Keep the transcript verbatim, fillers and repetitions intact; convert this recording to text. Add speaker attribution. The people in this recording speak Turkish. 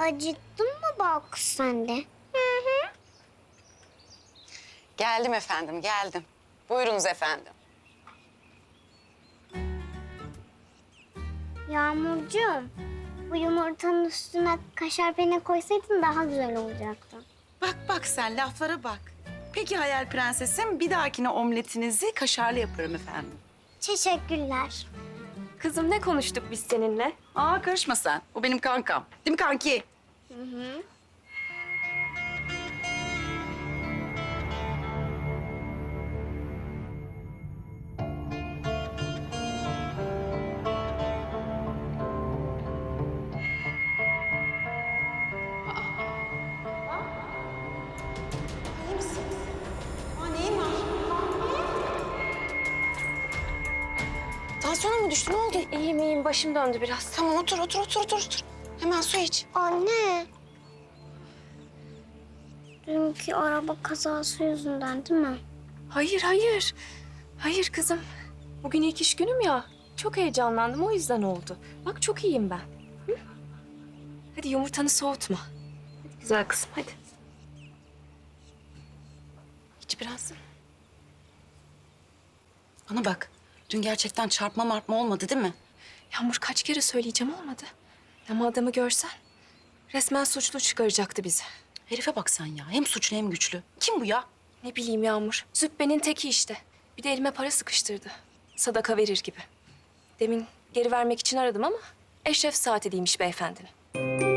Speaker 1: Acıktın mı bak sen de?
Speaker 2: Geldim efendim, geldim. Buyurunuz efendim.
Speaker 1: Yağmurcuğum, bu yumurtanın üstüne kaşar peynir koysaydın daha güzel olacaktı.
Speaker 3: Bak bak sen laflara bak. Peki Hayal Prensesim, bir dahakine omletinizi kaşarlı yaparım efendim.
Speaker 1: Teşekkürler.
Speaker 4: Kızım ne konuştuk biz seninle?
Speaker 3: Aa karışma sen. O benim kankam. Değil mi kanki?
Speaker 1: Hı hı.
Speaker 2: Tansiyonun mu düştü? Ne oldu?
Speaker 4: İyiyim iyiyim, başım döndü biraz.
Speaker 2: Tamam otur, otur, otur, otur, otur. Hemen su iç.
Speaker 1: Anne. Dünkü araba kazası yüzünden değil mi?
Speaker 4: Hayır hayır. Hayır kızım. Bugün ilk iş günüm ya. Çok heyecanlandım, o yüzden oldu. Bak çok iyiyim ben. Hı? Hadi yumurtanı soğutma. Hadi güzel kızım, hadi.
Speaker 2: İç biraz. Bana bak. Dün gerçekten çarpma martma olmadı değil mi?
Speaker 4: Yağmur kaç kere söyleyeceğim, olmadı. Ama adamı görsen resmen suçlu çıkaracaktı bizi.
Speaker 2: Herife bak sen ya. Hem suçlu hem güçlü. Kim bu ya?
Speaker 4: Ne bileyim Yağmur. Zübbenin teki işte. Bir de elime para sıkıştırdı. Sadaka verir gibi. Demin geri vermek için aradım ama eşref saati değilmiş beyefendinin.